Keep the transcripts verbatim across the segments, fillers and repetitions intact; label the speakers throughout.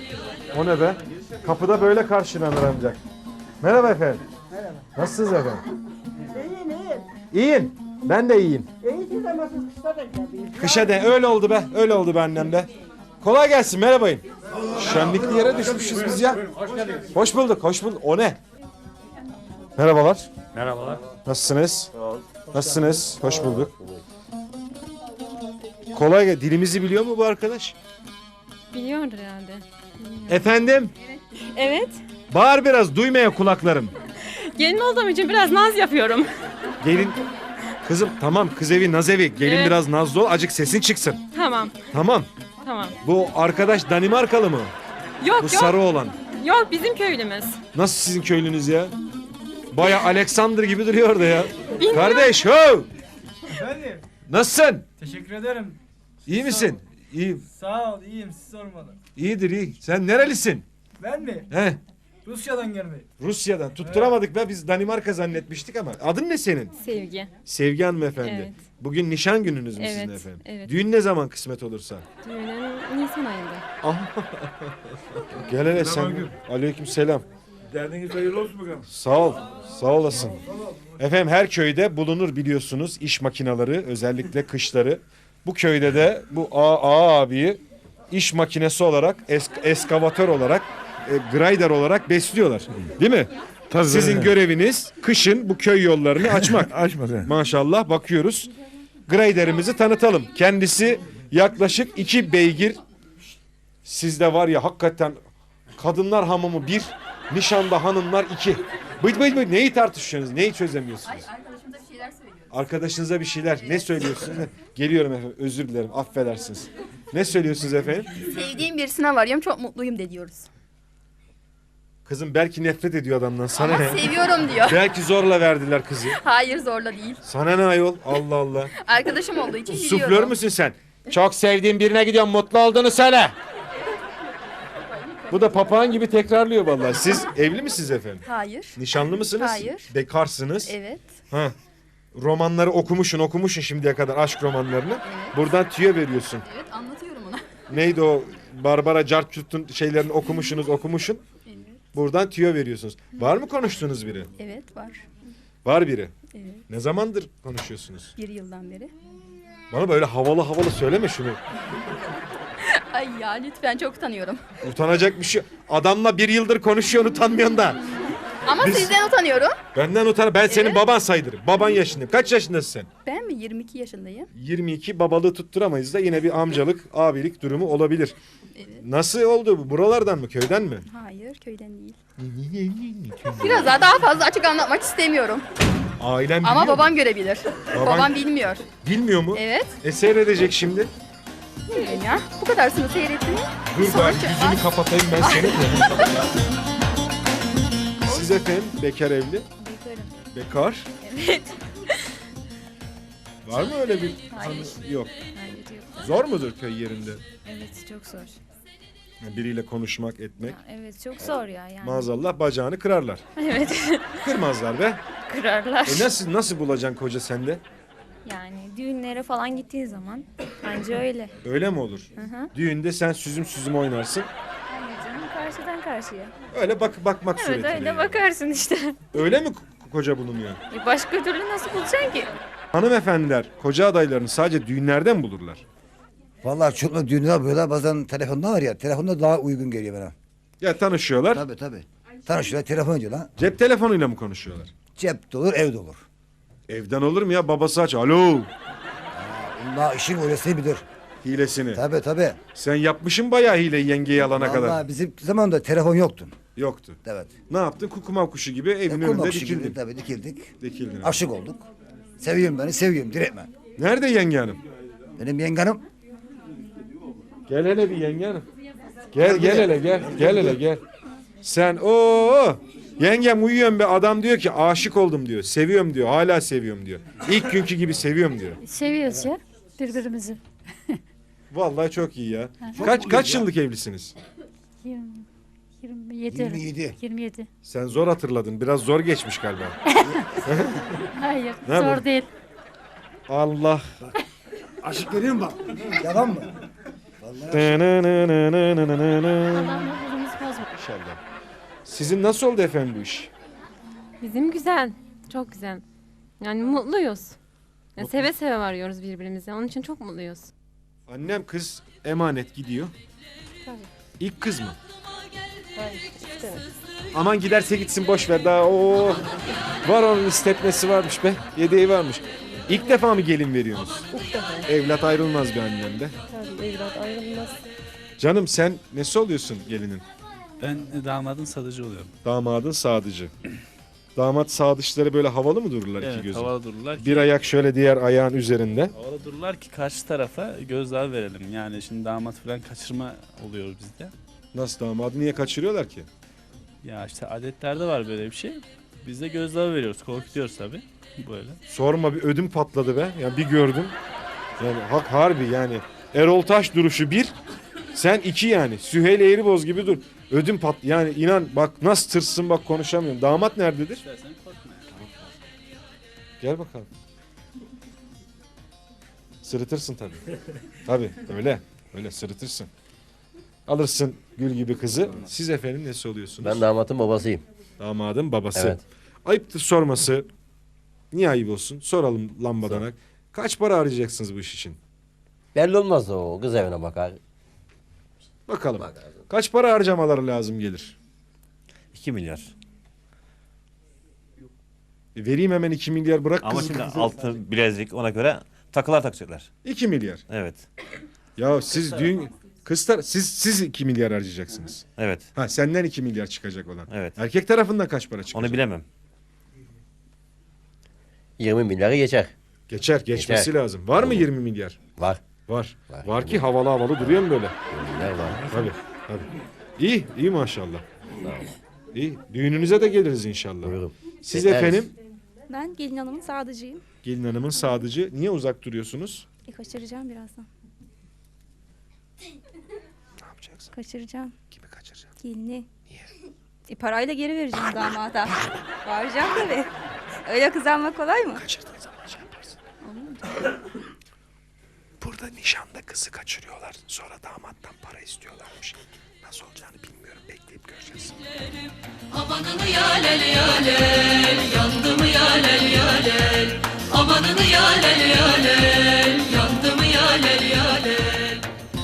Speaker 1: O ne be? Kapıda böyle karşılanır ancak. Merhaba efendim.
Speaker 2: Merhaba.
Speaker 1: Nasılsınız efendim?
Speaker 2: İyiyim iyiyim.
Speaker 1: İyiyim. Ben de iyiyim.
Speaker 2: İyisiniz ama siz kışta da geldiniz.
Speaker 1: Kışa de öyle oldu be. Öyle oldu be annem be. Kolay gelsin, merhabayın. Şenlikli yere düşmüşüz biz ya. Hoş bulduk, hoş bulduk. O ne? Merhabalar.
Speaker 3: Merhabalar.
Speaker 1: Nasılsınız? Nasılsınız? Hoş bulduk. Kolay gel. Dilimizi biliyor mu bu arkadaş?
Speaker 4: Biliyordur herhalde.
Speaker 1: Efendim?
Speaker 4: Evet.
Speaker 1: Bağır biraz, duymaya kulaklarım.
Speaker 4: Gelin olduğum için biraz naz yapıyorum.
Speaker 1: Gelin. Kızım tamam, kız evi, naz evi. Gelin
Speaker 4: Evet.
Speaker 1: biraz nazlı ol, acık sesin çıksın.
Speaker 4: Tamam.
Speaker 1: Tamam.
Speaker 4: Tamam.
Speaker 1: Bu arkadaş Danimarkalı mı?
Speaker 4: Yok
Speaker 1: Bu
Speaker 4: yok.
Speaker 1: sarı olan.
Speaker 4: Yok bizim köylümüz.
Speaker 1: Nasıl sizin köylünüz ya? Baya Alexander gibi duruyor orada ya.
Speaker 4: Bilmiyorum.
Speaker 1: Kardeş ho!
Speaker 5: Efendim,
Speaker 1: Nasılsın?
Speaker 5: teşekkür ederim.
Speaker 1: İyi misin? İyi.
Speaker 5: Sağ ol, iyiyim, siz sormalı.
Speaker 1: İyidir iyi. Sen nerelisin?
Speaker 5: Ben mi?
Speaker 1: He?
Speaker 5: Rusya'dan gelmeyi.
Speaker 1: Rusya'dan. Tutturamadık be, biz Danimarka zannetmiştik ama. Adın ne senin?
Speaker 4: Sevgi.
Speaker 1: Sevgi hanımefendi.
Speaker 4: Evet.
Speaker 1: Bugün nişan gününüz mü sizin
Speaker 4: Evet,
Speaker 1: efendim?
Speaker 4: evet.
Speaker 1: Düğün ne zaman kısmet olursa?
Speaker 4: Düğünün Nisan ayında.
Speaker 1: Gel hele sen. Aleyküm selam.
Speaker 3: Derdiniz hayırlı olsun bakalım.
Speaker 1: Sağ ol. Sağ olasın. Efendim her köyde bulunur biliyorsunuz iş makineleri, özellikle kışları. Bu köyde de bu A, A abiyi iş makinesi olarak, esk, eskavatör olarak, e, grider olarak besliyorlar. Değil mi? Sizin göreviniz kışın bu köy yollarını açmak.
Speaker 3: Açmadı.
Speaker 1: Maşallah bakıyoruz. Graderimizi tanıtalım. Kendisi yaklaşık iki beygir. Sizde var ya hakikaten kadınlar hamamı bir, nişanda hanımlar iki. Bıt bıt bıt neyi tartışıyorsunuz? Neyi çözemiyorsunuz?
Speaker 6: Arkadaşımıza bir şeyler söylüyoruz.
Speaker 1: Arkadaşınıza bir şeyler. Ne söylüyorsunuz? Geliyorum efendim. Özür dilerim. Affedersiniz. Ne söylüyorsunuz efendim?
Speaker 6: Sevdiğim birisine varıyorum, çok mutluyum de diyoruz.
Speaker 1: Kızım belki nefret ediyor adamdan. Sana
Speaker 6: Ama
Speaker 1: ne?
Speaker 6: seviyorum diyor.
Speaker 1: Belki zorla verdiler kızı.
Speaker 6: Hayır, zorla değil.
Speaker 1: Sana ne ayol? Allah Allah.
Speaker 6: Arkadaşım olduğu için biliyorum.
Speaker 1: Suflör müsün sen? Çok sevdiğin birine gidiyorsun, mutlu olduğunu söyle. Bu da papağan gibi tekrarlıyor vallahi. Siz evli misiniz efendim?
Speaker 6: Hayır.
Speaker 1: Nişanlı mısınız?
Speaker 6: Hayır.
Speaker 1: Bekarsınız.
Speaker 6: Evet.
Speaker 1: Ha. Romanları okumuşsun, okumuşsun şimdiye kadar aşk romanlarını. Buradan tüyo veriyorsun.
Speaker 6: Evet, anlatıyorum ona.
Speaker 1: Neydi o Barbara Cartçut'un şeylerini okumuşsunuz, okumuşsun.
Speaker 6: Evet.
Speaker 1: Buradan tüyo veriyorsunuz. Var mı konuştuğunuz biri?
Speaker 6: Evet, var.
Speaker 1: Var biri.
Speaker 6: Evet.
Speaker 1: Ne zamandır konuşuyorsunuz?
Speaker 6: Bir yıldan beri.
Speaker 1: Bana böyle havalı havalı söyleme şunu.
Speaker 6: Ay ya, lütfen, çok utanıyorum.
Speaker 1: Utanacak bir şey. Adamla bir yıldır konuşuyorsun, utanmıyorsun da.
Speaker 6: Ama
Speaker 1: Biz-
Speaker 6: sizden utanıyorum.
Speaker 1: Benden utan. Ben senin
Speaker 6: Evet.
Speaker 1: baban sayılırım. Baban yaşındayım. Kaç yaşındasın sen?
Speaker 6: Ben mi? yirmi iki yaşındayım.
Speaker 1: yirmi iki, babalığı tutturamayız da yine bir amcalık, abilik durumu olabilir.
Speaker 6: Evet.
Speaker 1: Nasıl oldu bu? Buralardan mı? Köyden mi?
Speaker 6: Hayır, köyden değil. Biraz daha, daha fazla açık anlatmak istemiyorum.
Speaker 1: Ailem
Speaker 6: Ama
Speaker 1: biliyor
Speaker 6: babam
Speaker 1: mu?
Speaker 6: görebilir.
Speaker 1: Baban-
Speaker 6: Babam bilmiyor.
Speaker 1: Bilmiyor mu?
Speaker 6: Evet.
Speaker 1: E seyredecek şimdi.
Speaker 6: Bilmiyorum ya. Bu kadarsını seyrettin.
Speaker 1: Dur
Speaker 6: Sonra-
Speaker 1: bari yüzünü kapatayım ben seni. Siz efendim bekar evli?
Speaker 4: Bekarım.
Speaker 1: Bekar.
Speaker 4: Evet.
Speaker 1: Var mı öyle bir
Speaker 4: Hayır.
Speaker 1: hanı- Yok.
Speaker 4: Hayır yok.
Speaker 1: Zor mudur köy yerinde?
Speaker 4: Evet çok zor.
Speaker 1: Biriyle konuşmak, etmek.
Speaker 4: Ya, evet çok zor ya yani.
Speaker 1: Maazallah bacağını kırarlar.
Speaker 4: Evet.
Speaker 1: Kırmazlar be.
Speaker 4: Kırarlar.
Speaker 1: E nasıl nasıl bulacaksın koca sende?
Speaker 4: Yani düğünlere falan gittiği zaman anca öyle.
Speaker 1: Öyle mi olur?
Speaker 4: Hı hı.
Speaker 1: Düğünde sen süzüm süzüm oynarsın.
Speaker 4: Hayır canım karşıdan karşıya.
Speaker 1: Öyle bak bakmak
Speaker 4: Evet
Speaker 1: suretiyle.
Speaker 4: öyle
Speaker 1: yani.
Speaker 4: bakarsın işte.
Speaker 1: Öyle mi ko- koca bulunuyor?
Speaker 4: E, başka türlü nasıl bulacaksın ki?
Speaker 1: Hanımefendiler koca adaylarını sadece düğünlerden mi bulurlar?
Speaker 7: Vallahi çok düğünler böyle bazen telefonda var ya, telefonda daha uygun geliyor bana.
Speaker 1: Ya tanışıyorlar.
Speaker 7: Tabii tabii. Tanışıyorlar, telefon ediyorlar.
Speaker 1: Cep telefonuyla mı konuşuyorlar?
Speaker 7: Cep de olur, ev de olur.
Speaker 1: Evden olur mu ya? Babası aç. Alo.
Speaker 7: Bunlar işin öylesi bilir.
Speaker 1: Hilesini.
Speaker 7: Tabii tabii.
Speaker 1: Sen yapmışsın bayağı hileyi yengeyi alana
Speaker 7: Vallahi
Speaker 1: kadar.
Speaker 7: bizim zamanında telefon yoktu.
Speaker 1: Yoktu.
Speaker 7: Evet.
Speaker 1: Ne yaptın? Kukumav kuşu gibi evin
Speaker 7: E,
Speaker 1: önünde
Speaker 7: kulak kuşu gibi
Speaker 1: dikildin.
Speaker 7: Tabii dikildik.
Speaker 1: Dikildin.
Speaker 7: Aşık olduk. Seviyorum beni, seviyorum direktmen.
Speaker 1: Nerede yenge hanım?
Speaker 7: Benim yengenim
Speaker 1: Gel hele bir yenge hanım. Gel gel hele gel. Gel hele gel. Sen o yengem uyuyorum be, adam diyor ki aşık oldum diyor. Seviyorum diyor. Hala seviyorum diyor. İlk günkü gibi seviyorum diyor.
Speaker 8: Seviyoruz ya birbirimizi.
Speaker 1: Vallahi çok iyi ya. Kaç kaç yıllık evlisiniz?
Speaker 8: yirmi, yirmi yedi.
Speaker 7: yirmi yedi.
Speaker 8: yirmi yedi.
Speaker 1: Sen zor hatırladın. Biraz zor geçmiş galiba.
Speaker 8: Hayır
Speaker 1: Ne
Speaker 8: zor
Speaker 1: bu?
Speaker 8: değil.
Speaker 1: Allah.
Speaker 7: aşık görüyor musun bak? Yalan mı?
Speaker 8: Allah mutluluğumuzu bozma.
Speaker 1: İnşallah. Sizin nasıl oldu efendim bu iş?
Speaker 9: Bizim güzel. Çok güzel. Yani mutluyuz. Yani seve seve varıyoruz birbirimize. Onun için çok mutluyuz.
Speaker 1: Annem kız emanet gidiyor.
Speaker 9: Tabii.
Speaker 1: İlk kız mı? Aman giderse gitsin boş ver daha o var onun istetmesi varmış be. Yedeği varmış. İlk defa mı gelin veriyorsunuz?
Speaker 10: İlk defa.
Speaker 1: Evlat ayrılmaz bir annemde.
Speaker 10: Tabii evlat ayrılmaz.
Speaker 1: Canım sen nesi oluyorsun gelinin?
Speaker 11: Ben damadın sadıcı oluyorum.
Speaker 1: Damadın sadıcı. Damat sadıçları böyle havalı mı dururlar iki
Speaker 11: Evet,
Speaker 1: gözü?
Speaker 11: havalı dururlar ki,
Speaker 1: Bir ayak şöyle diğer ayağın üzerinde.
Speaker 11: havalı dururlar ki karşı tarafa gözdağı verelim. Yani şimdi damat falan kaçırma oluyor bizde.
Speaker 1: Nasıl damadı niye kaçırıyorlar ki?
Speaker 11: Ya işte adetlerde var böyle bir şey. Biz de gözdağı veriyoruz, korkutuyoruz tabii. Böyle.
Speaker 1: Sorma bir ödüm patladı be. Yani bir gördüm. Yani hak harbi yani. Erol Taş duruşu bir. Sen iki yani. Süheyl Eğriboz gibi dur. Ödüm pat yani inan bak nasıl tırsın bak konuşamıyorum. Damat nerededir?
Speaker 11: İstersen korkma.
Speaker 1: Gel bakalım. Sırıtırsın tabii. Tabii öyle. Öyle sırıtırsın. Alırsın gül gibi kızı. Siz efendim nesi oluyorsunuz?
Speaker 12: Ben damatın babasıyım.
Speaker 1: Damadın babası.
Speaker 12: Evet.
Speaker 1: Ayıptır sorması. Niye ayıp olsun? Soralım lambadanak. Kaç para harcayacaksınız bu iş için?
Speaker 12: Belli olmaz o. Kız evine bakar.
Speaker 1: Bakalım. Kaç para harcamaları lazım gelir?
Speaker 13: iki milyar.
Speaker 1: E, vereyim hemen iki milyar bırak
Speaker 13: Ama
Speaker 1: kızı.
Speaker 13: şimdi altın bilezik ona göre takılar takacaklar.
Speaker 1: iki milyar.
Speaker 13: Evet.
Speaker 1: Ya siz düğün kızlar siz siz iki milyar harcayacaksınız.
Speaker 13: Evet.
Speaker 1: Ha senden iki milyar çıkacak olan.
Speaker 13: Evet.
Speaker 1: Erkek tarafından kaç para çıkacak?
Speaker 13: Onu bilemem.
Speaker 12: yirmi milyarı geçer.
Speaker 1: Geçer, geçmesi
Speaker 12: Geçer.
Speaker 1: lazım. Var mı yirmi milyar?
Speaker 12: Var.
Speaker 1: Var. Var,
Speaker 12: Var.
Speaker 1: ki havalı havalı duruyor mu böyle?
Speaker 12: yirmi milyar var.
Speaker 1: Tabii, tabii. İyi, iyi maşallah. İyi. Düğününüze de geliriz inşallah.
Speaker 12: Buyurun.
Speaker 1: Siz
Speaker 12: Bekleriz.
Speaker 1: efendim
Speaker 4: Ben gelin hanımın sadıcıyım.
Speaker 1: gelin hanımın sadıcı. Niye uzak duruyorsunuz?
Speaker 4: E, kaçıracağım birazdan.
Speaker 1: Ne yapacaksın?
Speaker 4: Kaçıracağım.
Speaker 1: Kimi kaçıracaksın?
Speaker 4: Gelini. Niye? E, parayla geri vereceğim damada. Bağıracağım tabii. Öyle kız almak kolay mı?
Speaker 1: Kaçırdığın zaman şey yaparsın. Burada nişanda kızı kaçırıyorlar. Sonra damattan para istiyorlarmış. Nasıl olacağını bilmiyorum. Bekleyip göreceğiz.
Speaker 14: Amanını yalel yalel, yandı mı yalel yalel. Amanını yalel yalel, yandı mı yalel yalel.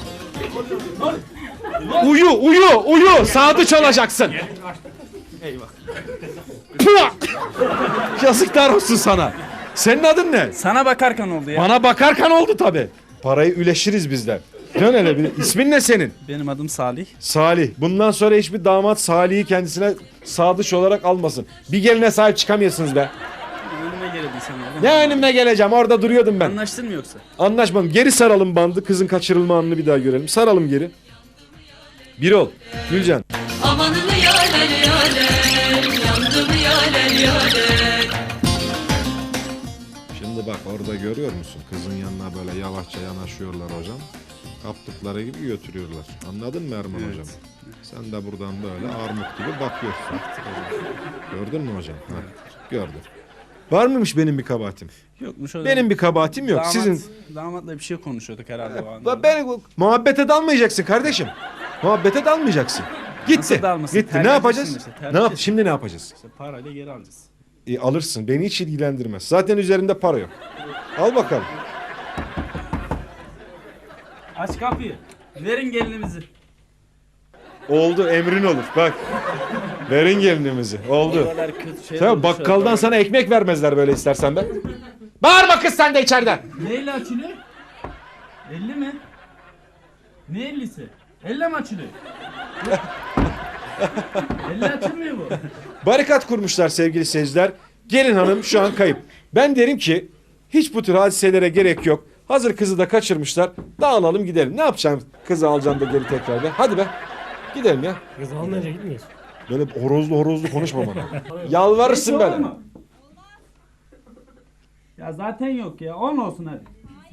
Speaker 1: Uyu, uyu, uyu. Sadıç olacaksın.
Speaker 11: Eyvah.
Speaker 1: Pıh! Yazıklar olsun sana. Senin adın ne?
Speaker 11: Sana bakarken oldu ya.
Speaker 1: Bana bakarken oldu tabi. Parayı üleşiriz bizler. Dön hele bir. İsmin ne senin?
Speaker 11: Benim adım Salih.
Speaker 1: Salih. Bundan sonra hiçbir damat Salih'i kendisine sadıç olarak almasın. Bir geline sahip çıkamıyorsunuz be.
Speaker 11: Önüme geldin sen ya.
Speaker 1: Ne önüme geleceğim? Orada duruyordum ben.
Speaker 11: Anlaştın mı yoksa?
Speaker 1: Anlaşmadım. Geri saralım bandı. Kızın kaçırılma anını bir daha görelim. Saralım geri. Bir ol. Gülcan.
Speaker 14: Amanını yalel yalel, yandı mı yalel yalel.
Speaker 1: Şimdi bak orada görüyor musun? Kızın yanına böyle yavaşça yanaşıyorlar hocam. Kaptıkları gibi götürüyorlar. Anladın mı Erman
Speaker 11: Evet.
Speaker 1: hocam? Sen de buradan böyle armut gibi bakıyorsun. Gördün mü hocam? Ha, gördüm. Var mıymış benim bir kabahatim?
Speaker 11: Yokmuş o.
Speaker 1: Benim bir kabahatim yok.
Speaker 11: Damat,
Speaker 1: Sizin
Speaker 11: Damatla bir şey konuşuyorduk herhalde o anda.
Speaker 1: Ba- ben muhabbete dalmayacaksın kardeşim. Muhabbete dalmayacaksın. Gitti.
Speaker 11: Nasıl dalmasın?
Speaker 1: Gitti. Ne
Speaker 11: Terbiyesiz
Speaker 1: yapacağız?
Speaker 11: işte,
Speaker 1: Ne
Speaker 11: terbiyesiz.
Speaker 1: yap? Şimdi ne yapacağız?
Speaker 11: İşte parayla geri alacağız.
Speaker 1: E, alırsın. Beni hiç ilgilendirmez. Zaten üzerinde para yok. Al bakalım.
Speaker 11: Aç kapıyı. Verin gelinimizi.
Speaker 1: Oldu. Emrin olur. Bak. Verin gelinimizi. Oldu.
Speaker 11: Oralar kötü şeyler
Speaker 1: Tamam
Speaker 11: oldu,
Speaker 1: bakkaldan
Speaker 11: şöyle.
Speaker 1: sana ekmek vermezler böyle istersen be. Bağırma kız sen de içeriden.
Speaker 11: Neyle açılıyor? elli mi? Ne ellisi? Elle mi açılıyor? Elle açılmıyor bu.
Speaker 1: Barikat kurmuşlar sevgili seyirciler. Gelin hanım şu an kayıp. Ben derim ki hiç bu tür hadiselere gerek yok. Hazır kızı da kaçırmışlar. Dağılalım gidelim. Ne yapacağım? Kızı alacağım da geri tekrar be. Hadi be. Gidelim ya.
Speaker 10: Kız almayınca gitmiyoruz.
Speaker 1: Böyle horozlu horozlu konuşma bana. Yalvarırsın
Speaker 11: Hiç
Speaker 1: böyle.
Speaker 11: olur mu? Ya zaten yok ya. on olsun hadi.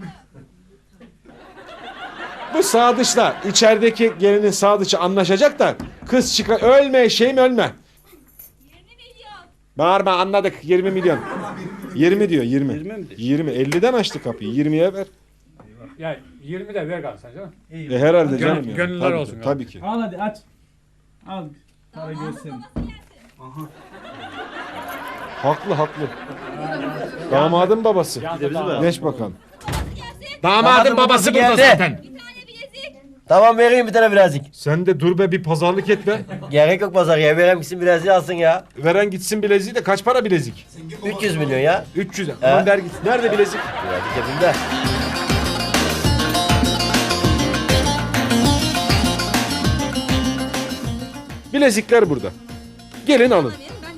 Speaker 1: Bu sadıçla içerideki gelinin sadıçı anlaşacak da kız çıkar. Ölme şeyim ölme. Bağırma anladık yirmi milyon. yirmi diyor yirmi.
Speaker 11: yirmi mi diyor?
Speaker 1: yirmi. elliden açtı kapıyı. yirmiye ver.
Speaker 3: Ya yirmi de ver kalsan canım.
Speaker 1: E, herhalde
Speaker 3: Gön-
Speaker 1: canım ya.
Speaker 3: gönüller
Speaker 1: Tabii,
Speaker 3: olsun.
Speaker 1: Tabii ki.
Speaker 11: Al hadi aç. Al. Para görsün.
Speaker 1: Haklı haklı. Damadın babası. Geç bakalım.
Speaker 13: Damadın babası burada zaten.
Speaker 12: Tamam vereyim bir tane bilezik.
Speaker 1: Sen de dur be bir pazarlık et be.
Speaker 12: Gerek yok pazar ya. Veren gitsin bileziği alsın ya.
Speaker 1: Veren gitsin bileziği de kaç para bilezik?
Speaker 12: üç yüz milyon ya.
Speaker 1: üç yüz. Aman der gitsin. Nerede bilezik?
Speaker 12: Bilezik cebimde.
Speaker 1: Bilezikler burada. Gelin alın.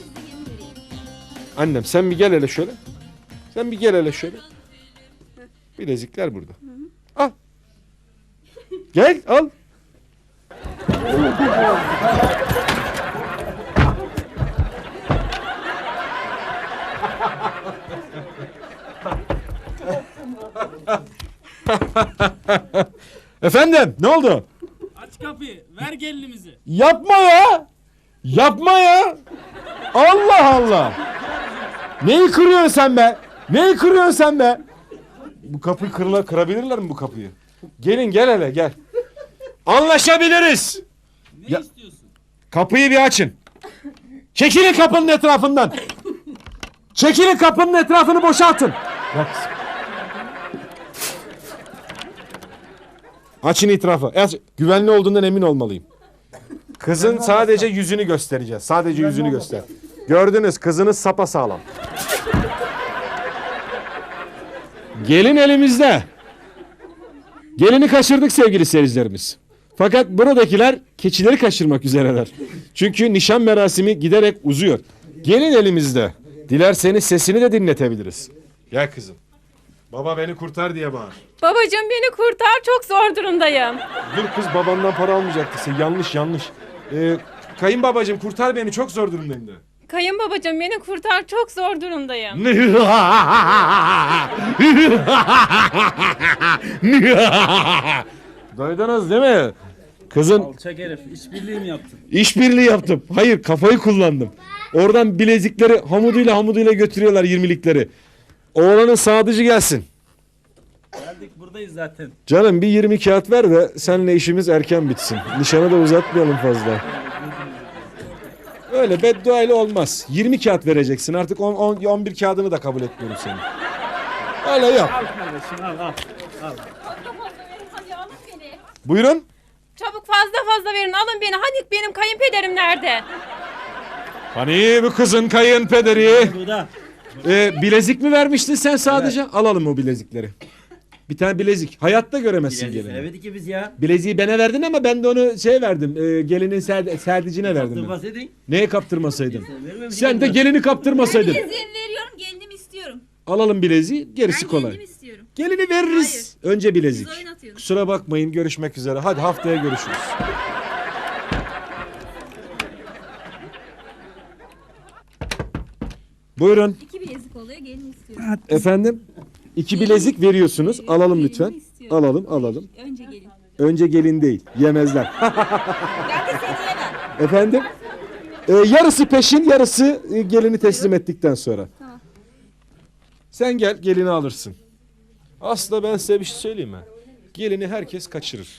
Speaker 1: Annem sen bir gel hele şöyle. Sen bir gel hele şöyle. Bilezikler burada. Al. Gel al. Efendim ne oldu?
Speaker 11: Aç kapıyı. Ver gelinimizi.
Speaker 1: Yapma ya. Yapma ya. Allah Allah. Neyi kırıyorsun sen be? Neyi kırıyorsun sen be? Bu kapıyı kırla, kırabilirler mi bu kapıyı? Gelin gel hele gel. Anlaşabiliriz.
Speaker 11: Ne
Speaker 1: Ya-
Speaker 11: istiyorsun?
Speaker 1: Kapıyı bir açın. Çekilin kapının etrafından. Çekilin kapının etrafını boşaltın. Bak. Açın etrafı. Aç. Güvenli olduğundan emin olmalıyım. Kızın sadece yüzünü göstereceğiz. Sadece yüzünü göster. Gördünüz kızınız sapasağlam. Gelin elimizde. Gelini kaçırdık sevgili seyircilerimiz. Fakat buradakiler keçileri kaçırmak üzereler. Çünkü nişan merasimi giderek uzuyor. Gelin elimizde. Dilerseniz sesini de dinletebiliriz. Gel kızım. Baba beni kurtar diye bağır.
Speaker 9: Babacığım beni kurtar, çok zor durumdayım.
Speaker 1: Dur kız babandan para almayacaktı. Sen yanlış yanlış. Ee, kayınbabacığım kurtar beni çok zor durumdayım de.
Speaker 9: Kayınbabacığım beni kurtar, çok zor durumdayım.
Speaker 1: Duydunuz değil mi? Kızın
Speaker 11: Alçak herif. İşbirliği mi yaptın?
Speaker 1: işbirliği yaptım. Hayır kafayı kullandım. Oradan bilezikleri hamuduyla hamuduyla götürüyorlar yirmilikleri. Oğlanın sadıcı gelsin.
Speaker 11: Geldik buradayız zaten.
Speaker 1: Canım bir yirmi kağıt ver de seninle işimiz erken bitsin. Nişanı da uzatmayalım fazla. Öyle beddua ile olmaz. yirmi kağıt vereceksin. Artık on, on, on bir kağıdını da kabul etmiyorum senin. Öyle yap.
Speaker 11: Al kardeşim al al. Al.
Speaker 9: Hadi alın beni.
Speaker 1: Buyurun.
Speaker 9: Çabuk fazla fazla verin, alın beni. Hani benim kayınpederim nerede?
Speaker 1: Hani bu kızın kayınpederi.
Speaker 11: Burada.
Speaker 1: Ee, bilezik mi vermiştin sen sadece? Alalım o bilezikleri. Bir tane bilezik. Hayatta göremezsin
Speaker 12: Bilezik
Speaker 1: gelini.
Speaker 12: veremedik ki biz ya.
Speaker 1: Bileziği bana verdin ama ben de onu şey verdim. E, gelinin serd serdicine verdim. ben.
Speaker 12: Kaptırmasaydın.
Speaker 1: Neye kaptırmasaydın?
Speaker 12: Vermemiş
Speaker 1: Sen de gelini kaptırmasaydın.
Speaker 4: Bileziğimi veriyorum, gelinimi istiyorum.
Speaker 1: Alalım bileziği, gerisi
Speaker 4: Ben
Speaker 1: kolay.
Speaker 4: gelinimi istiyorum.
Speaker 1: Gelini veririz. Önce bilezik.
Speaker 4: Siz oyun atıyorsunuz.
Speaker 1: Kusura bakmayın, görüşmek üzere. Hadi haftaya görüşürüz. Buyurun.
Speaker 4: İki bilezik oluyor, gelin istiyorum.
Speaker 1: Efendim? İki bilezik veriyorsunuz. Alalım lütfen. Alalım, alalım.
Speaker 4: Önce gelin.
Speaker 1: Önce gelin değil. Yemezler.
Speaker 4: Ben de seni yemem.
Speaker 1: Efendim? Ee, yarısı peşin, yarısı e, gelini teslim ettikten sonra.
Speaker 4: Tamam.
Speaker 1: Sen gel, gelini alırsın. Aslında ben size bir şey söyleyeyim mi? Gelini herkes kaçırır.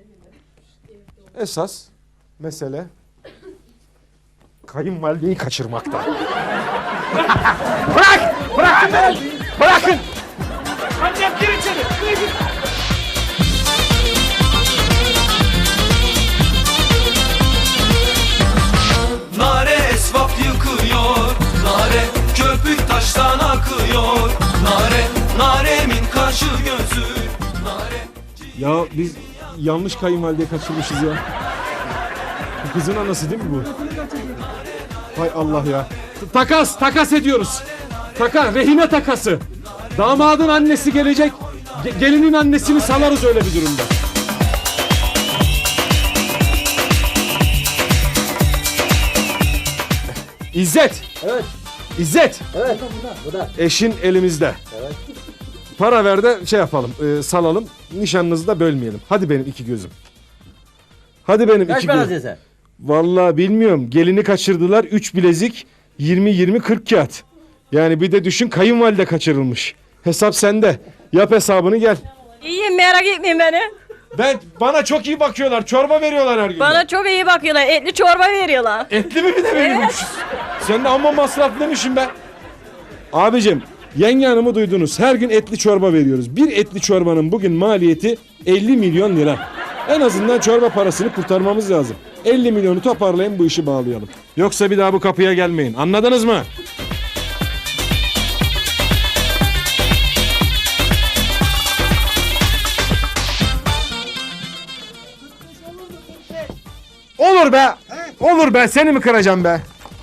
Speaker 1: Esas mesele kayınvalideyi kaçırmakta. Bırak! Bırakın beni! Bırakın! Annem gir içeri!
Speaker 14: Nare esvap yıkıyor, nare köpük taştan akıyor, nare naremin kaşı gözü, nare.
Speaker 1: Ya biz yanlış kayınvalideyi kaçırmışız ya. Bu kızın anası değil mi bu? Hay Allah ya. Takas, takas ediyoruz. Taka, rehine takası. Damadın annesi gelecek. ge- gelinin annesini salarız öyle bir durumda. İzzet.
Speaker 12: Evet.
Speaker 1: İzzet.
Speaker 12: Evet. Bu da.
Speaker 1: Eşin elimizde.
Speaker 12: Evet.
Speaker 1: Para ver de şey yapalım, e, salalım. Nişanınızı da bölmeyelim. Hadi benim iki gözüm. Hadi benim
Speaker 12: Kaç
Speaker 1: iki
Speaker 12: para
Speaker 1: gözüm.
Speaker 12: sen?
Speaker 1: Vallahi bilmiyorum. Gelini kaçırdılar. Üç bilezik. Yirmi yirmi kırk kağıt. Yani bir de düşün kayınvalide kaçırılmış. Hesap sende. Yap hesabını gel.
Speaker 8: İyiyim, merak etmeyin beni.
Speaker 1: Ben bana çok iyi bakıyorlar. Çorba veriyorlar her gün.
Speaker 8: Bana çok iyi bakıyorlar. Etli çorba veriyorlar.
Speaker 1: Etli mi bir de veriyormuş? Sen de amma masraflıymışsın be. Abicim, yenge hanımı duydunuz. Her gün etli çorba veriyoruz. Bir etli çorbanın bugün maliyeti elli milyon lira. En azından çorba parasını kurtarmamız lazım. elli milyonu toparlayın, bu işi bağlayalım. Yoksa bir daha bu kapıya gelmeyin. Anladınız mı? Olur be. Olur be. Seni mi kıracağım be?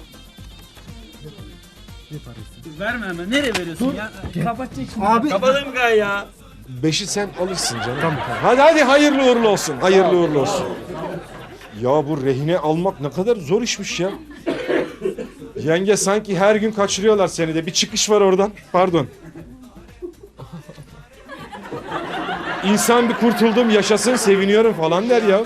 Speaker 11: Verme hemen. Nereye veriyorsun ya? Kapatacak şimdi.
Speaker 1: Abi.
Speaker 12: Kapatın gay ya.
Speaker 1: Beşi sen alırsın canım. Tamam. Hadi hadi hayırlı uğurlu olsun. Hayırlı uğurlu olsun. Ya bu rehine almak ne kadar zor işmiş ya. Yenge sanki her gün kaçırıyorlar seni de. Bir çıkış var oradan. Pardon. İnsan bir kurtuldum, yaşasın, seviniyorum falan der ya.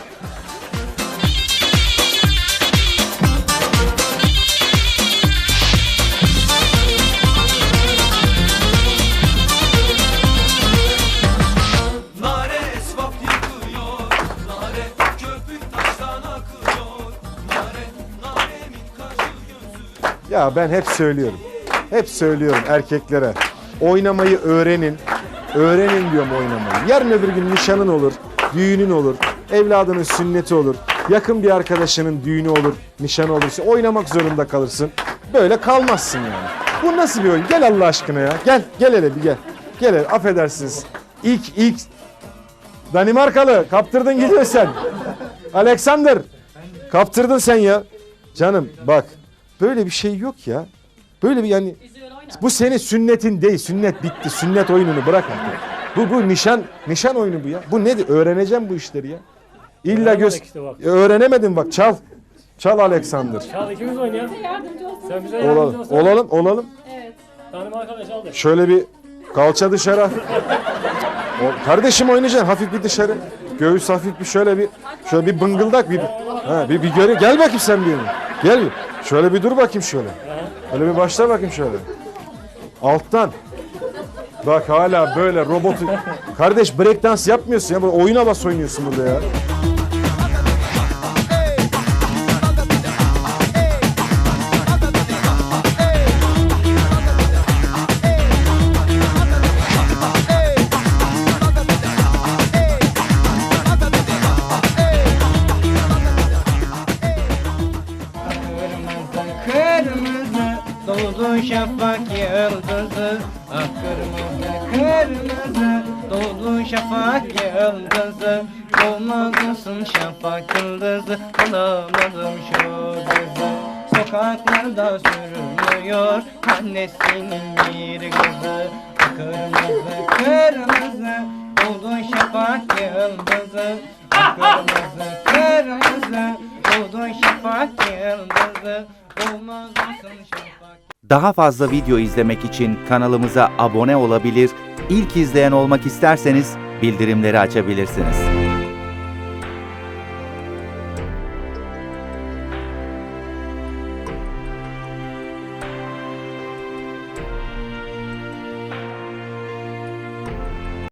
Speaker 14: Nare esvap yıkıyor, nare köpük taştan akıyor, nare naremin kaşı gözü.
Speaker 1: Ya ben hep söylüyorum. Hep söylüyorum erkeklere. Oynamayı öğrenin. Öğrenin diyorum oynamayı. Yarın öbür gün nişanın olur, düğünün olur, evladının sünneti olur, yakın bir arkadaşının düğünü olur, nişanı olursa oynamak zorunda kalırsın. Böyle kalmazsın yani. Bu nasıl bir oyun? Gel Allah aşkına ya. Gel, gel hele bir gel. Gel hele, affedersiniz. İlk, ilk Danimarkalı kaptırdın gidiyor sen. Alexander kaptırdın sen ya. Canım bak böyle bir şey yok ya. Böyle bir yani bu senin sünnetin değil. Sünnet bitti. Sünnet oyununu bırak artık. Bu bu nişan nişan oyunu bu ya. Bu nedir? Öğreneceğim bu işleri ya. İlla göz
Speaker 10: işte bak.
Speaker 1: öğrenemedin bak çal. Çal Alexander.
Speaker 10: Çal ikimiz oynayalım. Sen bize yardımcı
Speaker 1: Olalım.
Speaker 10: olsan.
Speaker 1: Olalım, olalım.
Speaker 10: Tanım arkadaş aldı.
Speaker 1: Şöyle bir kalça dışarı. O, kardeşim oynayacaksın hafif bir dışarı. Göğüs hafif bir şöyle bir şöyle bir bıngıldak bir ha bir bir göre gel bakayım sen bir yana. Gel bir. Şöyle bir dur bakayım şöyle. Öyle bir başla bakayım şöyle. Alttan. Bak hala böyle robotu. Kardeş breakdance yapmıyorsun ya. Böyle oyuna bas oynuyorsun burada ya.
Speaker 5: Kırmızı doğdu şafak yıldızı. Ah kırmızı kırmızı doğdu şafak yıldızı. Olmadısın şafak yıldızı, alamadım şu kızı. Sokaklarda sürünüyor annesinin bir kızı. Ah kırmızı kırmızı doğdu şafak yıldızı. Ah kırmızı kırmızı doğdu şafak yıldızı.
Speaker 15: Daha fazla video izlemek için kanalımıza abone olabilir, ilk izleyen olmak isterseniz bildirimleri açabilirsiniz.